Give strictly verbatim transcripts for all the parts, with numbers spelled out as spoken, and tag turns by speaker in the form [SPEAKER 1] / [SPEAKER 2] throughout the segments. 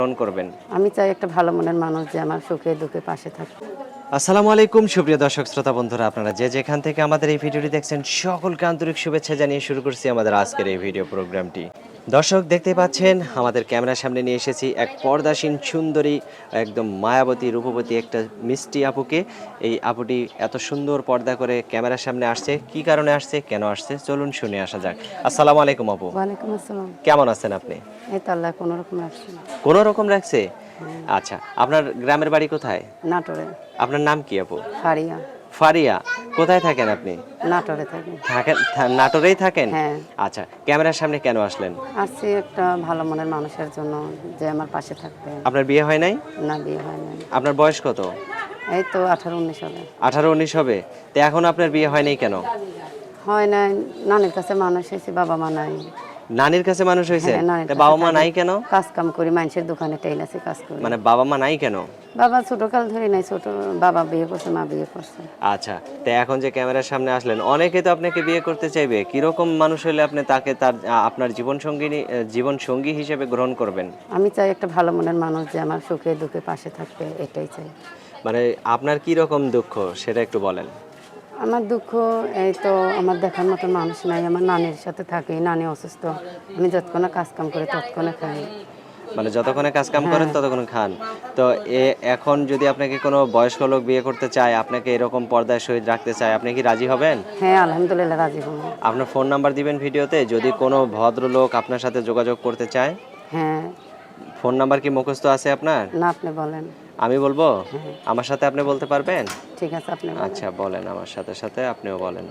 [SPEAKER 1] গ্রহণ করবেন।
[SPEAKER 2] আমি চাই একটা ভালো মনের মানুষ যে আমার সুখে দুঃখে পাশে থাকবে।
[SPEAKER 1] আসসালামু আলাইকুম সুপ্রিয় দর্শক শ্রোতা বন্ধুরা, আপনারা যে যেখান থেকে আমাদের এই ভিডিওটি দেখছেন সকলকে আন্তরিক শুভেচ্ছা জানিয়ে শুরু করছি আমাদের আজকের এই ভিডিও প্রোগ্রামটি। দর্শক দেখতে পাচ্ছেন আমাদের ক্যামেরার সামনে নিয়ে এসেছি এক পর্দাসীন সুন্দরী, একদম মায়াবতী রূপবতী একটা মিষ্টি আপুকে। এই আপুটি এত সুন্দর পর্দা করে ক্যামেরার সামনে আসছে, কি কারণে আসছে, কেন আসছে, চলুন শুনে আসা যাক। আসসালামু আলাইকুম আপু।
[SPEAKER 2] ওয়ালাইকুম আসসালাম।
[SPEAKER 1] কেমন আছেন আপনি?
[SPEAKER 2] এই তো আল্লাহ কোনো রকম রাখছে।
[SPEAKER 1] কোনো রকম রাখছে। আচ্ছা, আপনার গ্রামের বাড়ি কোথায়?
[SPEAKER 2] নাটোরে।
[SPEAKER 1] আপনার নাম কি আপু?
[SPEAKER 2] ফারিয়া।
[SPEAKER 1] ফারিয়া। কোথায় থাকেন আপনি?
[SPEAKER 2] নাটোরে থাকি।
[SPEAKER 1] থাকেন থা- নাটোরেই থাকেন?
[SPEAKER 2] হ্যাঁ।
[SPEAKER 1] আচ্ছা, ক্যামেরার সামনে কেন আসলেন?
[SPEAKER 2] আসছি একটা ভালো মনের মানুষের জন্য যে আমার পাশে থাকবে।
[SPEAKER 1] আপনার বিয়ে হয় নাই?
[SPEAKER 2] না, বিয়ে হয় নাই।
[SPEAKER 1] আপনার বয়স কত?
[SPEAKER 2] এই তো আঠারো উনিশ হবে।
[SPEAKER 1] আঠারো উনিশ হবে। তো এখন আপনার বিয়ে হয় নাই কেন?
[SPEAKER 2] হয় নাই, নানির কাছে মানুষ হয়েছে, বাবা মা নাই।
[SPEAKER 1] নানির কাছে মানুষ হয়েছে?
[SPEAKER 2] হ্যাঁ, নানির
[SPEAKER 1] তা
[SPEAKER 2] কাছে
[SPEAKER 1] বাবা মা
[SPEAKER 2] থাকি।
[SPEAKER 1] নাই কেন?
[SPEAKER 2] কাজ কাম করি, মানুষের দোকানে টেইলার্সে কাজ করি।
[SPEAKER 1] মানে বাবা মা নাই কেন?
[SPEAKER 2] বাবা ছোট কাল ধরে নাই, ছোট বাবা বিয়ে করছে, মা বিয়ে করছে।
[SPEAKER 1] আচ্ছা, তো এখন যে ক্যামেরার সামনে আসলেন, অনেকে তো আপনাকে বিয়ে করতে চাইবে। কিরকম মানুষ হলে আপনি তাকে তার আ- আপনার জীবন সঙ্গিনী জীবন সঙ্গী হিসেবে গ্রহণ করবেন?
[SPEAKER 2] আমি চাই একটা ভালো মনের মানুষ যে আমার সুখে দুঃখে পাশে থাকবে, এটাই চাই।
[SPEAKER 1] মানে আপনার কি রকম দুঃখ সেটা একটু বলেন।
[SPEAKER 2] আমার দুঃখ এই তো, আমার দেখার মতো মানুষ নাই। আমার নানির সাথে থাকি, নানি অসুস্থ, আমি যতক্ষণে কাজ কাম করি ততক্ষণে খাই।
[SPEAKER 1] মানে যতক্ষণে কাজ কাম করেন ততক্ষণ খান। তো এ এখন যদি আপনাকে কোনো বয়স্ক লোক বিয়ে করতে চায়, আপনাকে এরকম পর্দায় সহিত রাখতে চায়, আপনি কি রাজি হবেন?
[SPEAKER 2] হ্যাঁ, আলহামদুলিল্লাহ রাজি হব।
[SPEAKER 1] আপনার ফোন নাম্বার দিবেন ভিডিওতে, যদি কোনো ভদ্রলোক আপনার সাথে যোগাযোগ করতে চায়।
[SPEAKER 2] হ্যাঁ।
[SPEAKER 1] ফোন নাম্বার কি মুখস্থ আছে আপনার?
[SPEAKER 2] না, আপনি বলেন।
[SPEAKER 1] আমি বলবো?
[SPEAKER 2] হ্যাঁ।
[SPEAKER 1] আমার সাথে আপনি বলতে পারবেন?
[SPEAKER 2] ঠিক আছে, আপনি বলেন।
[SPEAKER 1] আচ্ছা বলেন, আমার সাথে সাথে আপনিও বলেন।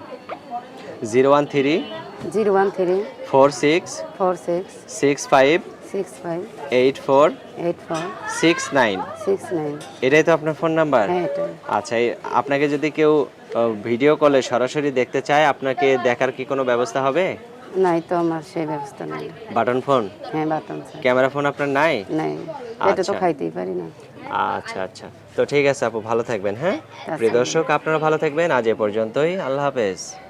[SPEAKER 1] Zero one three
[SPEAKER 2] zero one three
[SPEAKER 1] four six
[SPEAKER 2] four six
[SPEAKER 1] six five
[SPEAKER 2] six five
[SPEAKER 1] eight four
[SPEAKER 2] eight four
[SPEAKER 1] six nine.
[SPEAKER 2] Six nine.
[SPEAKER 1] এটাই তো আপনার ফোন নাম্বার?
[SPEAKER 2] হ্যাঁ, এটাই।
[SPEAKER 1] আচ্ছা, এই আপনাকে যদি কেউ আহ, ভিডিও কলে সরাসরি দেখতে চায়, আপনাকে দেখার কি কোনো ব্যবস্থা হবে?
[SPEAKER 2] নাই তো, আমার সেই ব্যবস্থা নাই।
[SPEAKER 1] Button phone?
[SPEAKER 2] হ্যাঁ, বাটন স্যার।
[SPEAKER 1] ক্যামেরা ফোন আপনার নাই?
[SPEAKER 2] নাই, এটা তো
[SPEAKER 1] আচ্ছা।
[SPEAKER 2] খাইতেই পারি না।
[SPEAKER 1] আচ্ছা আচ্ছা, তো ঠিক আছে আপু, ভালো থাকবেন। হ্যাঁ,
[SPEAKER 2] আচ্ছা।
[SPEAKER 1] প্রিয় দর্শক, আপনারা ভালো থাকবেন। আজ এ পর্যন্তই, আল্লাহ হাফেজ।